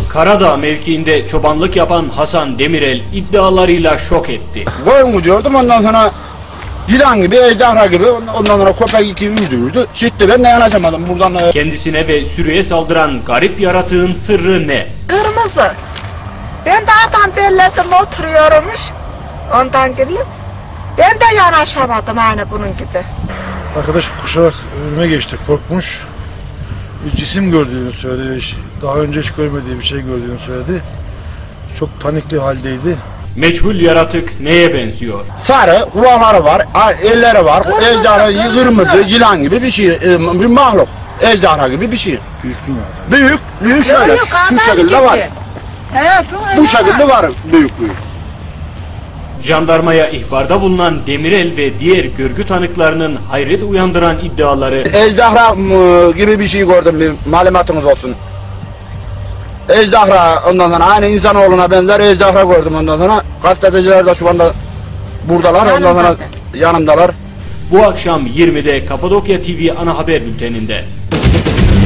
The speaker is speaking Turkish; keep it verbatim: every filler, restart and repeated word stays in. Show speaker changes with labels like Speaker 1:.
Speaker 1: Karadağ mevkiinde çobanlık yapan Hasan Demirel iddialarıyla şok etti.
Speaker 2: Koyun diyordum, ondan sonra yılan gibi, ejderha gibi, ondan sonra köpek iki yüzdü yüzdü. Çıktı, ben de yanaşamadım buradan.
Speaker 1: Kendisine ve sürüye saldıran garip yaratığın sırrı ne?
Speaker 3: Kırmızı. Ben de adam belledim, oturuyormuş. Ondan gelip ben de yanaşamadım aynı bunun gibi.
Speaker 4: Arkadaş koşarak önüme geçti, korkmuş. Bir cisim gördüğünü söyledi. Daha önce hiç görmediği bir şey gördüğünü söyledi. Çok panikli haldeydi.
Speaker 1: Meçhul yaratık neye benziyor?
Speaker 2: Sarı, kulakları var, elleri var, ejderha, kırmızı, yılan gibi bir şey, bir mahluk. Ejderha gibi bir şey.
Speaker 4: Büyük mü?
Speaker 2: Büyük, büyük şöyle,
Speaker 3: Yok,
Speaker 2: şu şekilde var.
Speaker 3: Evet,
Speaker 2: Bu şekilde var, büyük büyük.
Speaker 1: Jandarmaya ihbarda bulunan Demirel ve diğer görgü tanıklarının hayret uyandıran iddiaları...
Speaker 2: Ejderha gibi bir şey gördüm, bir malumatınız olsun. Ejderha, ondan sonra aynı insanoğluna benzer ejderha gördüm ondan sonra. Gazeteciler de şu anda buradalar, ondan sonra yanımdalar.
Speaker 1: Bu akşam yirmide Kapadokya T V ana haber bülteninde.